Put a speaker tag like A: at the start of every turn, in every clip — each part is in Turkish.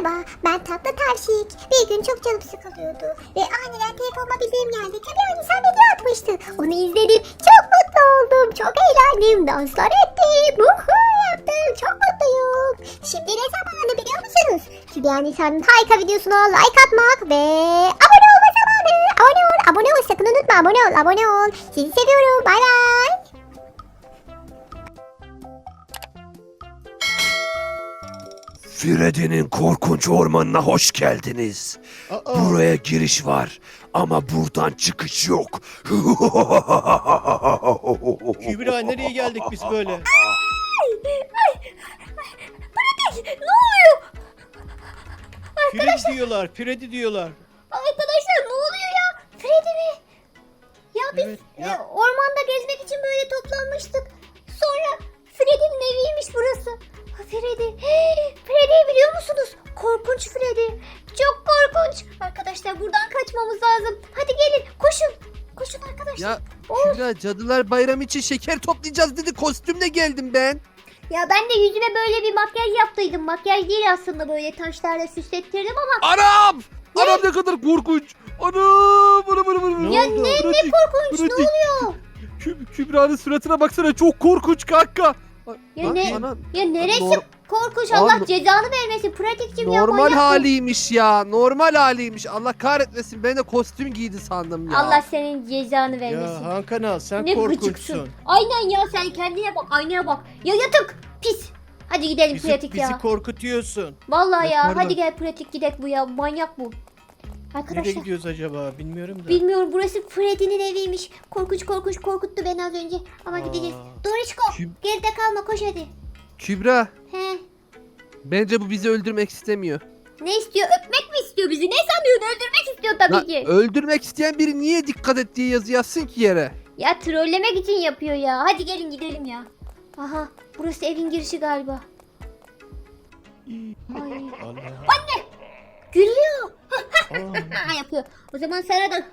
A: Merhaba, ben Tatlı Tavşik. Bir gün çok canım sıkılıyordu ve aniden telefonuma bildiğim geldi. Tabii sen video atmıştı. Onu izledim, çok mutlu oldum, çok eğlendim, danslar ettim, yaptım, çok mutluyum. Şimdi ne zamanı biliyor musunuz? Kübra Nisa'nın harika videosuna like atmak ve abone olma zamanı. Abone ol, sakın unutma, abone ol. Sizi seviyorum, bay bay.
B: Freddy'nin korkunç ormanına hoş geldiniz. Buraya giriş var ama buradan çıkış yok.
C: Kübra nereye geldik biz böyle?
D: Ne oluyor?
C: Freddy diyorlar, Freddy diyorlar.
D: Arkadaşlar ne oluyor ya? Freddy mi? Ya biz
C: Evet, ya.
D: ormanda gezmek için böyle toplanmıştık. Sonra Freddy'nin eviymiş burası. Ha, Freddy. Freddy'yi biliyor musunuz? Korkunç Freddy. Çok korkunç. Arkadaşlar buradan kaçmamız lazım. Hadi gelin koşun. Koşun arkadaşlar.
E: Ya Kübra, Cadılar Bayramı için şeker toplayacağız dedi, kostümle geldim ben.
D: Ya ben de yüzüme böyle bir makyaj yaptıydım. Makyaj değil aslında, böyle taşlarla süslettirdim ama.
E: Anam! Anam ne kadar korkunç. Anam!
C: Ne
D: Ya
C: oldu?
D: ne korkunç, ne oluyor?
E: Kübra'nın suratına baksana, çok korkunç kanka.
D: Ya ne?
E: Anam.
D: Ya neresi
E: Nor-
D: korkunç,
E: Aa,
D: Allah cezanı vermesin. Pratikçim ya,
E: Normal
D: manyak bu.
E: haliymiş ya. Normal haliymiş. Allah kahretmesin. Ben de kostüm giydi sandım ya.
D: Allah senin cezanı vermesin.
C: Ya Hakan sen
D: Ne
C: korkunçsun.
D: gıcıksın. Aynen ya, sen kendine bak, aynaya bak. Ya yatık pis. Hadi gidelim pratik
C: Bizi
D: ya.
C: korkutuyorsun.
D: Vallahi ya,
E: Pardon.
D: hadi gel pratik gidek bu ya, manyak bu.
C: Nereye
D: Arkadaşlar
C: gidiyoruz acaba bilmiyorum da.
D: bilmiyorum, burası Freddy'nin eviymiş. Korkunç korkuttu beni az önce. Ama gideceğiz. Dorişko
E: Kim-
D: geride kalma, koş hadi.
E: Kübra,
D: He.
E: bence bu bizi öldürmek istemiyor.
D: Ne istiyor, öpmek mi istiyor bizi? Ne sanıyorsun, öldürmek istiyor tabii
E: Lan,
D: ki.
E: öldürmek isteyen biri niye dikkat et diye yazı yazsın ki yere?
D: Ya trollemek için yapıyor ya. Hadi gelin gidelim ya. Aha, burası evin girişi galiba. Ay.
C: Allah.
D: Gülüyor.
C: Aa,
D: Yapıyor. O zaman sana da.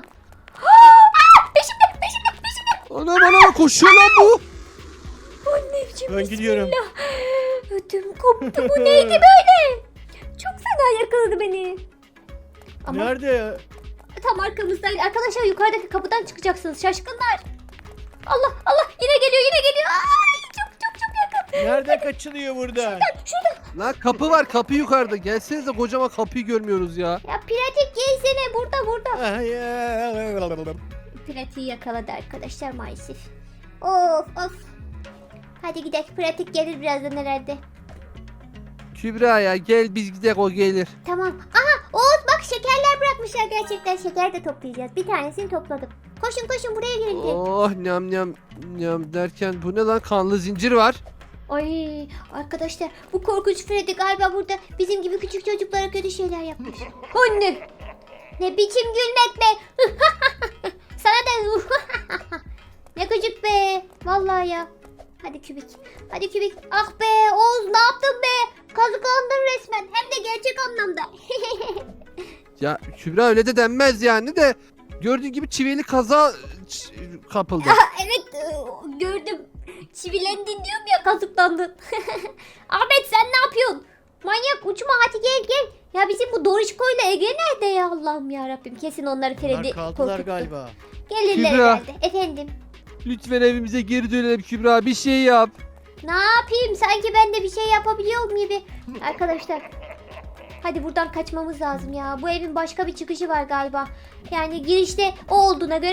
D: Peşimde.
E: Anam koşuyor lan bu.
D: Anneciğim,
C: ben gidiyorum.
D: ödüm koptu. Bu neydi böyle? Çok fena yakaladı beni. Ama
C: Nerede ya?
D: tam arkamızdaydı. Arkadaşlar yukarıdaki kapıdan çıkacaksınız. Şaşkınlar. Allah yine geliyor. Ay, çok yakın.
C: Nerede kaçılıyor burada?
D: Şurada.
E: Lan kapı var, kapı yukarıda. Gelsenize, kocaman kapıyı görmüyoruz ya.
D: Ya pratik gelsene, burada.
C: Ay,
D: Pratiği yakaladı arkadaşlar maalesef. Of. Hadi gidelim. Pratik gelir birazdan herhalde.
E: Kübra ya, gel biz gidelim, o gelir.
D: Tamam. Aha Oğuz bak, şekerler bırakmışlar gerçekten. Şeker de toplayacağız. Bir tanesini topladım. Koşun buraya gelin.
E: Oh nyam derken bu ne lan, kanlı zincir var.
D: Ay arkadaşlar, bu korkunç Freddy galiba burada bizim gibi küçük çocuklara kötü şeyler yapmış. Anne! Ne biçim gülmek be! Sana da ne gıcık be! Vallahi ya. Hadi kübik. Ah be Oğuz, ne yaptın be? Kazıklandın resmen. Hem de gerçek anlamda.
E: Ya Kübra, öyle de denmez yani de. Gördüğün gibi çivili kaza kapıldı.
D: Evet, gördüm. Çivilendin diyorum ya, kazıklandın. Ahmet sen ne yapıyorsun? Manyak, uçma, hadi gel. Ya bizim bu Dorişko ile Ege nerede ya, Allah'ım ya Rabbim. Kesin onları Freddy
C: Bunlar kaldılar
D: korkuttu.
C: galiba.
D: Gelirler
E: Kübra.
D: herhalde. Efendim.
E: Lütfen evimize geri dönelim Kübra, bir şey yap.
D: Ne yapayım? Sanki ben de bir şey yapabiliyorum gibi. Arkadaşlar. Hadi buradan kaçmamız lazım ya. Bu evin başka bir çıkışı var galiba. Yani girişte o olduğuna göre.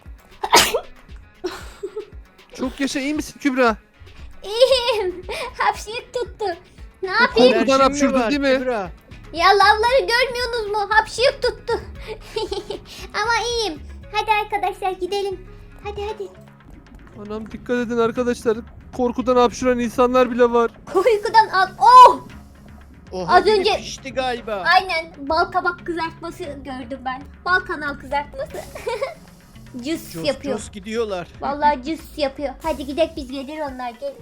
E: Çok yaşa, iyi misin Kübra?
D: İyiyim. Hapşırık tuttu. Ne yapayım?
E: Korkudan
C: Alerjin
E: hapşurdun
C: var,
E: değil mi?
C: Kübra?
D: Ya lavları görmüyorsunuz mu? Hapşırık tuttu. Ama iyiyim. Hadi arkadaşlar gidelim. Hadi.
E: Anam, dikkat edin arkadaşlar. Korkudan hapşuran insanlar bile var.
D: Uykudan al. Oh!
C: Oha,
D: Az
C: biri
D: önce-
C: pişti galiba.
D: Aynen, bal kabak kızartması gördüm ben. Bal kanal kızartması. Cıs
C: Cos
D: yapıyor.
C: cos gidiyorlar.
D: Vallahi cıs yapıyor. Hadi gidelim biz, gelir onlar, gelin.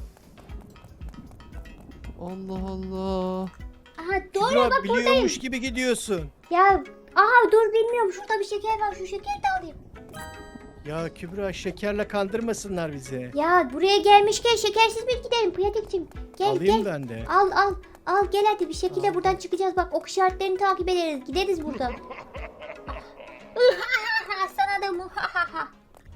E: Allah.
D: Aha doğru,
C: Kübra
D: bak buradayım.
C: biliyormuş gibi gidiyorsun.
D: Ya dur, bilmiyorum, şurada bir şeker var, şu şekeri de alayım.
C: Ya Kübra, şekerle kandırmasınlar bizi.
D: Ya buraya gelmişken şekersiz bir gidelim pratikçim. Gel
C: Alayım ben de.
D: Al. Al gel hadi bir şekilde buradan çıkacağız. Bak ok işaretlerini takip ederiz. Gideriz buradan. Sana da muhahaha.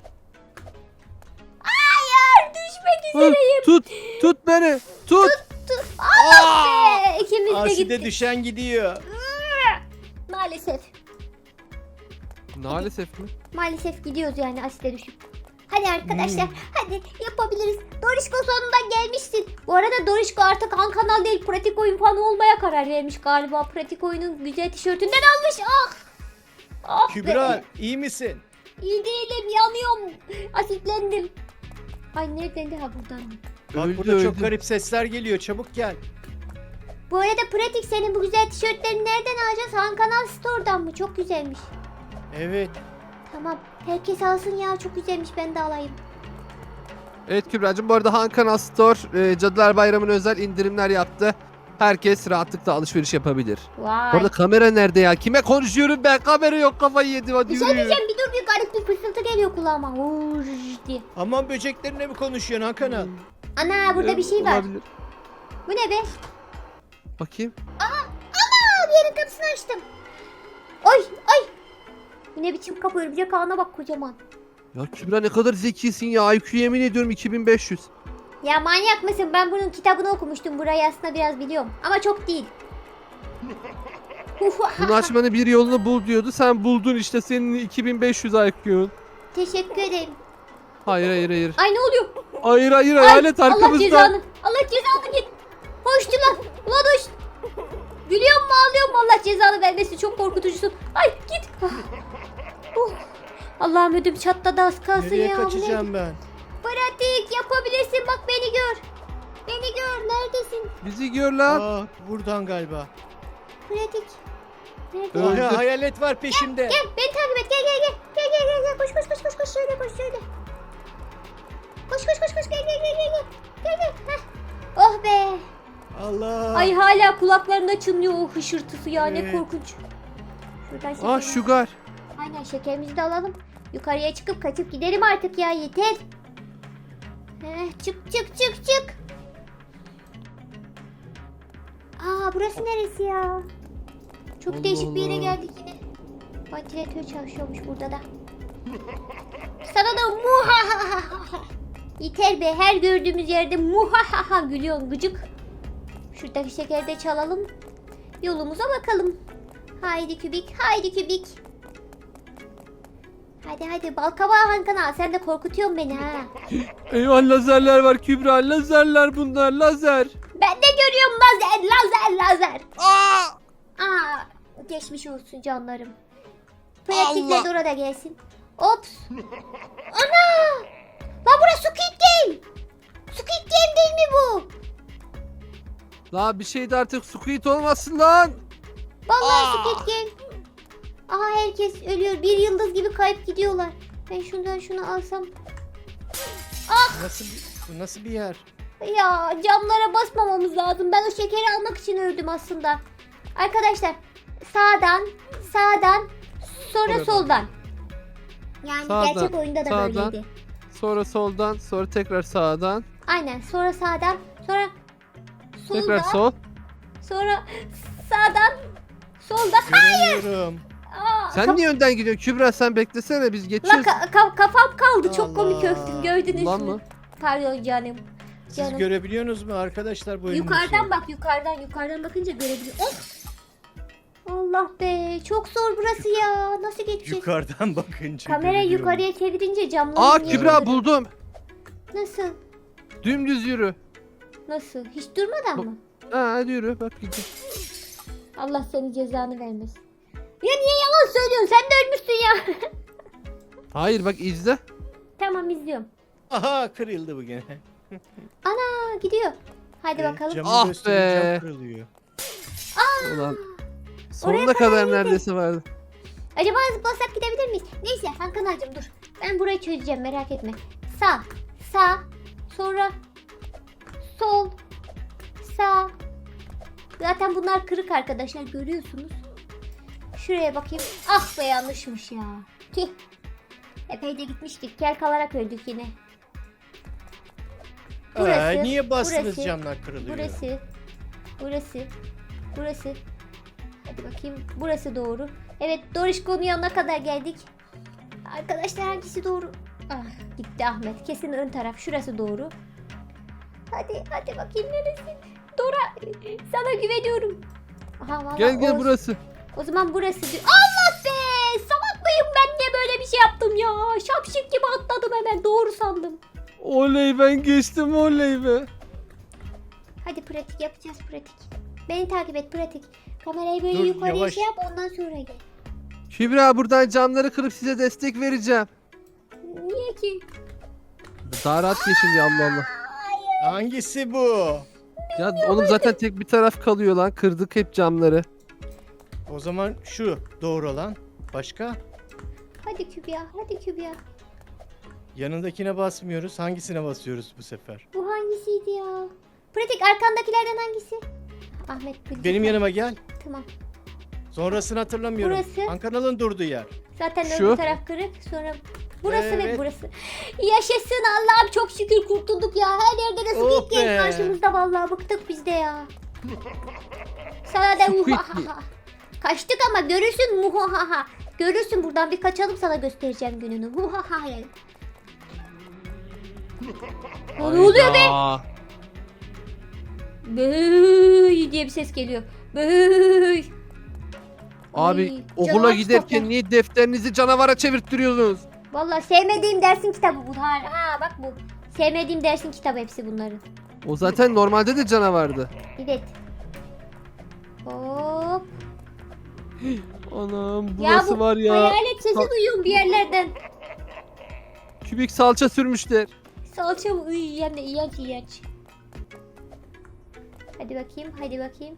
D: Hayır düşmek
E: Hı,
D: üzereyim.
E: tut beni. Tut.
D: Allah be. İkimiz de
C: Aside
D: gittik.
C: düşen gidiyor.
D: Maalesef.
E: Maalesef mi?
D: Maalesef gidiyoruz yani asite düşüp. Hadi arkadaşlar hadi yapabiliriz. Dorişko sonunda gelmişsin. Bu arada Dorişko artık Han Kanal değil pratik oyun fanı olmaya karar vermiş galiba. Pratik oyunun güzel tişörtünden almış. Ah! Ah be.
C: Kübra iyi misin?
D: İyi değilim yanıyorum. Asitlendim. Ay nereden de ha buradan.
C: Bak
E: Öldü,
C: burada çok
E: öldü.
C: garip sesler geliyor. Çabuk gel.
D: Bu arada pratik senin bu güzel tişörtlerini nereden alacağız? Han Kanal Store'dan mı? Çok güzelmiş.
C: Evet.
D: Tamam. Herkes alsın ya çok güzelmiş ben de alayım.
E: Evet Kübra'cığım, bu arada Han Kanal Store Cadılar Bayramı'na özel indirimler yaptı. Herkes rahatlıkla alışveriş yapabilir.
D: Vay.
E: Bu arada kamera nerede ya? Kime konuşuyorum ben? Kamera yok, kafayı yedim, hadi
D: Bir şey
E: yürü.
D: diyeceğim bir dur bir garip bir fısıltı geliyor kulağıma. Vuş diye.
C: Aman böceklerine mi konuşuyorsun Hakan'a?
D: Ana burada bir şey var.
E: Olabilir.
D: Bu ne be?
E: Bakayım.
D: Aa bir yerin kapısını açtım. Oy oy. Bu ne biçim kapı örümcek ağına bak kocaman.
E: Ya Kübra ne kadar zekisin ya. IQ yemin ediyorum 2500.
D: Ya manyak mısın? Ben bunun kitabını okumuştum. Burayı aslında biraz biliyorum. Ama çok değil.
E: Bunu açmanın bir yolunu bul diyordu. Sen buldun işte, senin 2500 IQ'un.
D: Teşekkür ederim.
E: Hayır.
D: Ay ne oluyor?
E: Hayır
D: Ay,
E: hayalet
D: Allah
E: arkamızda.
D: cezanı. Allah cezanı git. Hoştu lan. Ulan hoş. Gülüyor mu ağlıyor mu? Allah cezanı vermesin. Çok korkutucusun. Ay git. Allah'ım ödüm çatladı az kalsın
C: Nereye
D: ya. Bu ne?
C: kaçacağım ben?
D: Pratik yapabilirsin. Bak beni gör. Beni gör. Neredesin?
E: Bizi gör lan.
C: Aa, buradan galiba.
D: Pratik. Nerede?
E: Öldü.
C: Aha, hayalet var peşimde.
D: Gel beni takip et. Gel. Gel. Koş. Şöyle koş şöyle. Koş. Gel. Heh. Oh be.
C: Allah.
D: Ay hala kulaklarında çınlıyor o hışırtısı ya. Ne
C: Evet.
D: korkunç. Şuradan
E: Ah
D: şeker.
E: Sugar.
D: Aynen şekerimizi de alalım. Yukarıya çıkıp kaçıp gidelim artık ya yeter. Çık. Aa burası neresi ya? Çok
E: Allah
D: değişik bir yere
E: Allah.
D: geldik yine. Vantilatör çalışıyormuş burada da. Sana da muhahaha. Yeter be her gördüğümüz yerde muhahaha gülüyorsun gıcık. Şuradaki şekeri de çalalım. Yolumuza bakalım. Haydi kübik. Hadi balkabağı Hankana sen de korkutuyorsun beni ha.
E: Eyvah, lazerler var Kübra. Lazerler bunlar, lazer.
D: Ben de görüyorum lazer. Aa, geçmiş olsun canlarım. Pratikle
E: Allah.
D: Dora da gelsin. Ops. Ana! Lan burası Squid Game. Squid Game değil mi bu?
E: La bir şey de artık Squid olmasın lan.
D: Vallahi Squid Game. Aha herkes ölüyor. Bir yıldız gibi kayıp gidiyorlar. Ben şundan şunu alsam.
C: Bu nasıl bir yer?
D: Ya camlara basmamamız lazım. Ben o şekeri almak için öldüm aslında. Arkadaşlar sağdan sonra
C: Oradan.
D: soldan. Yani
E: Sağdan,
D: gerçek oyunda da
E: sağdan.
D: böyleydi.
E: Sonra soldan, sonra tekrar sağdan.
D: Aynen sonra sağdan sonra soldan
E: Tekrar sol.
D: sonra sağdan soldan.
C: Göremiyorum.
D: Aa,
E: Sen niye önden gidiyorsun Kübra, sen beklesene, biz
D: Lan
E: geçiyoruz.
D: kafam kaldı. Çok komik
C: Allah.
D: öptüm. Gördünüz
E: Lan
D: mü?
E: mı?
D: Pardon canım.
C: Siz
D: Canım.
C: görebiliyorsunuz mu arkadaşlar bu oyunu?
D: Yukarıdan bak yukarıdan bakınca görebiliyor. Of! Allah be çok zor burası ya. Nasıl geçeceğiz?
C: Yukarıdan bakınca
D: Kamerayı
C: görüyorum.
D: yukarıya çevirince camları
E: Aa
D: niye
E: Kübra
D: görüyorum?
E: buldum.
D: Nasıl?
E: Dümdüz yürü.
D: Nasıl? Hiç durmadan mı?
E: Ha hadi yürü, bak gidiyor.
D: Allah senin cezanı vermesin. Ya niye yalan söylüyorsun? Sen de ölmüşsün ya.
E: Hayır bak izle.
D: Tamam izliyorum.
C: Aha kırıldı bu gene.
D: Ana gidiyor. Hadi bakalım.
C: Camı
E: Ah
C: gösterince
E: be.
C: cam kırılıyor.
E: Ulan. Sonuna kadar neredeyse vardı.
D: Acaba zıplasak gidebilir miyiz? Neyse Hakan ağacım dur. Ben burayı çözeceğim merak etme. Sağ. Sonra sol. Sağ. Zaten bunlar kırık arkadaşlar görüyorsunuz. Şuraya bakayım. Ah be yanlışmış ya. Tüh. Epey de gitmiştik. Kel kalarak öldük yine. Burası,
C: Niye bastınız
D: burası,
C: camlar kırılıyor?
D: Burası. Burası. Burası. Hadi bakayım. Burası doğru. Evet, Dorişko'nun yanına kadar geldik. Arkadaşlar hangisi doğru? Ah, gitti Ahmet. Kesin ön taraf. Şurası doğru. Hadi bakayım neresi? Dora, sana güveniyorum. Aha, vallahi
E: Gel
D: Oğuz.
E: burası.
D: O zaman burası diyor. Allah be! Salak mıyım ben, niye böyle bir şey yaptım ya? Şapşik gibi atladım hemen, doğru sandım.
E: Oley, ben geçtim, oley be.
D: Hadi pratik yapacağız, pratik. Beni takip et, pratik. Kamerayı böyle
C: Dur,
D: yukarıya
C: yavaş.
D: şey yap, ondan sonra gel.
E: Kübra, buradan camları kırıp size destek vereceğim.
D: Niye ki?
E: Daha rahat geçin diye, Allah Allah.
C: Hangisi bu?
E: Ya oğlum zaten tek bir taraf kalıyor lan. Kırdık hep camları.
C: O zaman şu doğru olan. Başka?
D: Hadi Kübra, hadi Kübra.
C: Yanındakine basmıyoruz. Hangisine basıyoruz bu sefer?
D: Bu hangisiydi ya? Pratik, arkandakilerden hangisi? Ahmet bildi.
C: Benim yanıma gel.
D: Tamam.
C: Sonrasını hatırlamıyorum.
D: Burası.
C: Ankara'nın durduğu yer.
D: Zaten
E: Şu.
D: öbür taraf kırık. Sonra burası ve
C: Evet.
D: burası. Yaşasın Allah'ım, çok şükür kurtulduk ya. Her yerde de
C: Oh
D: Squid Game
C: be.
D: karşımızda, vallahi bıktık biz de ya. Sana da
E: Squid
D: muhahaha. Kaçtık ama görürsün muhahaha. Görürsün, buradan bir kaçalım, sana göstereceğim gününü. Muhahaha. Ne oluyor be?
E: Hayda.
D: Böööy diye bir ses geliyor. Böööy.
E: Abi
D: Ay,
E: okula
D: canavar
E: giderken
D: kitaplar.
E: niye defterinizi canavara çevirttiriyorsunuz?
D: Vallahi sevmediğim dersin kitabı bu. Ha bak bu. Sevmediğim dersin kitabı hepsi bunların.
E: O zaten normalde de canavardı.
D: Evet. Hop.
E: Anam
D: Ya
E: burası
D: bu
E: var ya.
D: hayalet sesi duyuyorum bir yerlerden.
E: Kübik salça sürmüşler.
D: Salça mı? Uy, hem de iğrenç iğrenç. Hadi bakayım, hadi bakayım.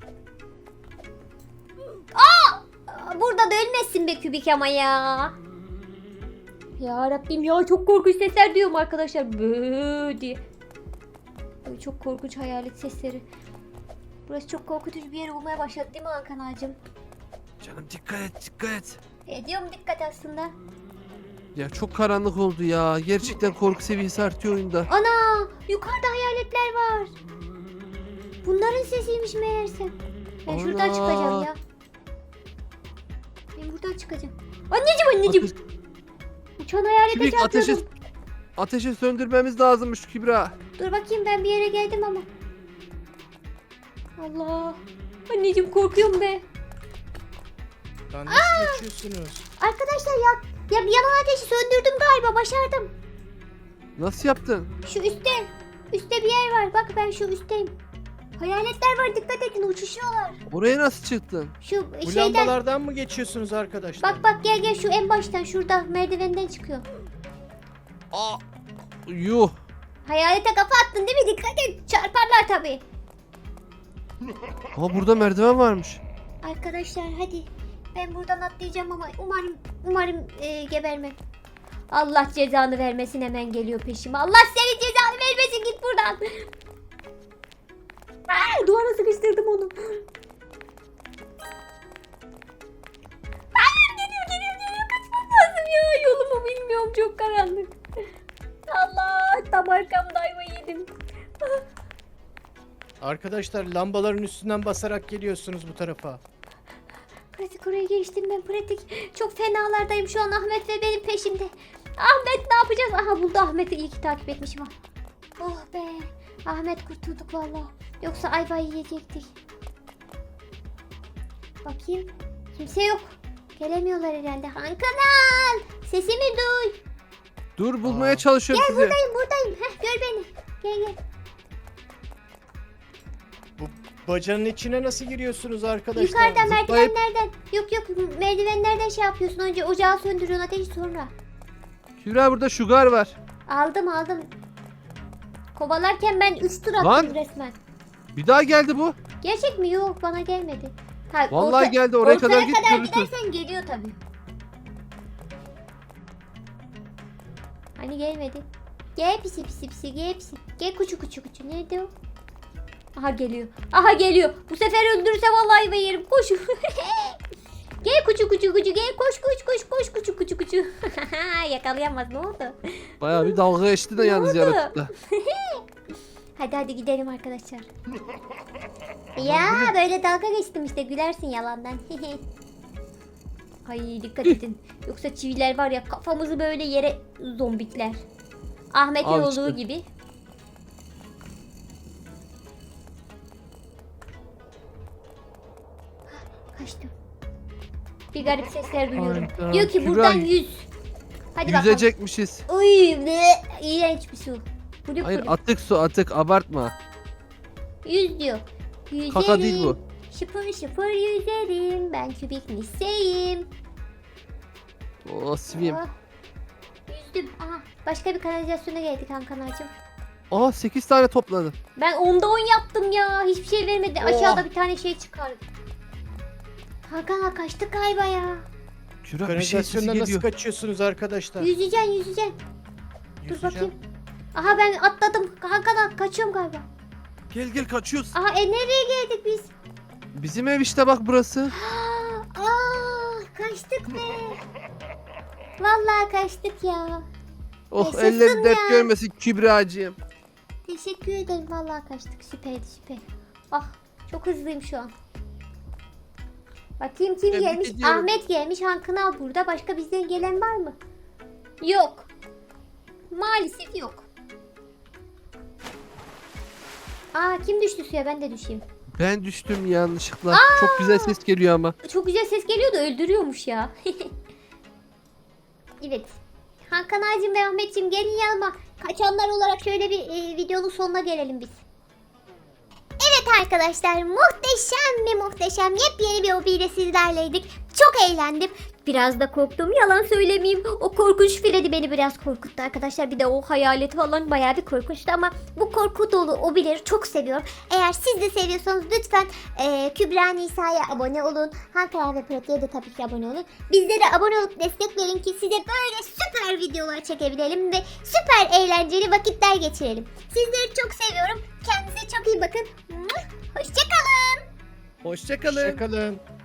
D: Aa! Burada da ölmezsin be Kübik ama ya. Ya Rabbim ya, çok korkunç sesler duyuyorum arkadaşlar. Bööö diye. Ay, çok korkunç hayalet sesleri. Burası çok korkutucu bir yer olmaya başladı değil mi Hakan ağacım?
B: Canım dikkat et, dikkat et.
D: Ediyorum dikkat aslında.
E: Ya çok karanlık oldu ya. Gerçekten korku seviyesi artıyor oyunda.
D: Ana! Yukarıda hayaletler var. Bunların sesiymiş meğerse. Ben şuradan
E: Ana!
D: çıkacağım ya. Ben buradan çıkacağım. Anneciğim. Uçan hayalete
E: Kübik
D: çarpıyordum.
E: ateşi söndürmemiz lazımmış Kübra.
D: Dur bakayım, ben bir yere geldim ama. Allah. Anneciğim korkuyorum be.
C: Lan nasıl geçiyorsunuz?
D: Arkadaşlar ya yanan ateşi söndürdüm galiba, başardım.
E: Nasıl yaptın?
D: Şu üstte. Üstte bir yer var. Bak ben şu üstteyim. Hayaletler var, dikkat edin, uçuşuyorlar.
E: Oraya nasıl çıktın?
D: Şu
C: Bu
D: şeyden.
C: lambalardan mı geçiyorsunuz arkadaşlar?
D: Bak gel şu en baştan, şurada merdivenden çıkıyor.
E: Aa, yuh.
D: Hayalete kafa attın değil mi? Dikkat et, çarparlar tabii.
E: Ama burada merdiven varmış.
D: Arkadaşlar hadi. Ben buradan atlayacağım ama umarım gebermem. Allah cezanı vermesin, hemen geliyor peşime. Allah senin cezanı vermesin, git buradan. Aa, duvara sıkıştırdım onu. Hayır, geliyor. Kaçmam lazım ya. Yolumu bilmiyorum, çok karanlık. Allah, tam arkamda ayva yedim.
C: Arkadaşlar lambaların üstünden basarak geliyorsunuz bu tarafa.
D: Pratik, oraya geçtim ben, pratik. Çok fenalardayım şu an, Ahmet ve benim peşimde. Ahmet ne yapacağız? Aha, buldu Ahmet'i, iyi ki takip etmişim ha. Oh be. Ahmet, kurtulduk valla. Yoksa ayvayı yiyecektik. Bakayım. Kimse yok. Gelemiyorlar herhalde. Hankanal! Sesimi duy.
E: Dur, bulmaya
C: Aa.
E: çalışıyorum
D: Gel,
E: sizi.
D: buradayım. Heh, gör beni. Gel.
C: Bu bacanın içine nasıl giriyorsunuz arkadaşlar?
D: Yukarıda
E: zıplayıp-
D: merdivenlerden. Yok merdivenlerden şey yapıyorsun. Önce ocağı söndürüyorsun, ateşi sonra.
E: Kübra, burada şugar var.
D: Aldım. Kovalarken ben 3 tur attım
E: Lan!
D: resmen.
E: Bir daha geldi bu.
D: Gerçek mi? Yok, bana gelmedi. Ha,
E: Vallahi geldi, oraya kadar
D: ortaya
E: git,
D: kadar
E: görürsün.
D: gidersen geliyor tabii. Hani gelmedi. Gel pisi gel pisi. Gel kuçu. Nerede o? Aha geliyor. Bu sefer öldürürse vallahi ben yerim. Koş. Gel kuçu gel, koş kuçu. Yakalayamaz, ne oldu?
E: Bayağı bir dalga geçti de yalnız
D: oldu?
E: yaratıkla.
D: Hadi gidelim arkadaşlar. Ya böyle dalga geçtim işte, gülersin yalandan. Ay dikkat edin. Yoksa çiviler var ya, kafamızı böyle yere zombikler. Ahmet'in
E: Al
D: olduğu
E: işte.
D: gibi. Kaçtım. Bir garip sesler duyuyorum.
E: Hayda,
D: Diyor ki
E: Kübra,
D: buradan 100. Hadi bakalım.
E: Yüzecekmişiz.
D: Uy ne iğrenç bir su. Kulüp
E: Hayır,
D: kulüp.
E: atık su atık, abartma.
D: 100 diyor. Yüzerim.
E: Kaka değil bu.
D: Şıpır şıpır yüzerim. Ben kübik miseyim.
E: O swim.
D: Oh. Yüzdüm. Aha, başka bir kanalizasyona geldik Hankanacığım.
E: Aa 8 tane topladı.
D: Ben 10'da 10 yaptım ya. Hiçbir şey vermedi.
E: Oh.
D: Aşağıda bir tane şey çıkardı. Hakan kaçtık galiba ya.
E: Kübra bir şey sesi
C: Kanalizasyondan nasıl
E: geliyor.
C: kaçıyorsunuz arkadaşlar?
D: Yüzeceksin. Dur
C: Yüzeceğim.
D: bakayım. Aha ben atladım. Hakan kaçıyorum galiba.
E: Gel kaçıyoruz.
D: Aha nereye geldik biz?
E: Bizim ev işte bak burası.
D: Kaçtık be. Vallahi kaçtık ya.
E: Oh
D: Yaşasın
E: ellerin dert
D: ya.
E: görmesin Kübra'cığım.
D: Teşekkür ederim. Vallahi kaçtık. Süper. Ah çok hızlıyım şu an. Bakayım kim
E: Tebrik
D: gelmiş?
E: ediyorum.
D: Ahmet gelmiş. Hankınal burada. Başka bizden gelen var mı? Yok. Maalesef yok. Aa kim düştü suya? Ben de düşeyim.
E: Ben düştüm yanlışlıkla. Çok güzel ses geliyor ama.
D: Çok güzel ses geliyor da öldürüyormuş ya. Evet. Hakan Ağacım ve Ahmetciğim gelin yanıma. Kaçanlar olarak şöyle bir videonun sonuna gelelim biz. Evet arkadaşlar, muhteşem yepyeni bir hobiyle sizlerleydik. Çok eğlendim. Biraz da korktum, yalan söylemeyeyim. O korkunç Freddy beni biraz korkuttu arkadaşlar. Bir de o hayalet falan bayağı bir korkunçtu ama bu korku dolu hobileri çok seviyorum. Eğer siz de seviyorsanız lütfen Kübra Nisa'ya abone olun. Hakan ve Pratik'e de tabii ki abone olun. Bizlere abone olup destek verin ki size böyle süper videolar çekebilelim ve süper eğlenceli vakitler geçirelim. Sizleri çok seviyorum. Kendinize çok iyi bakın. Hoşçakalın.
C: Hoşçakalın.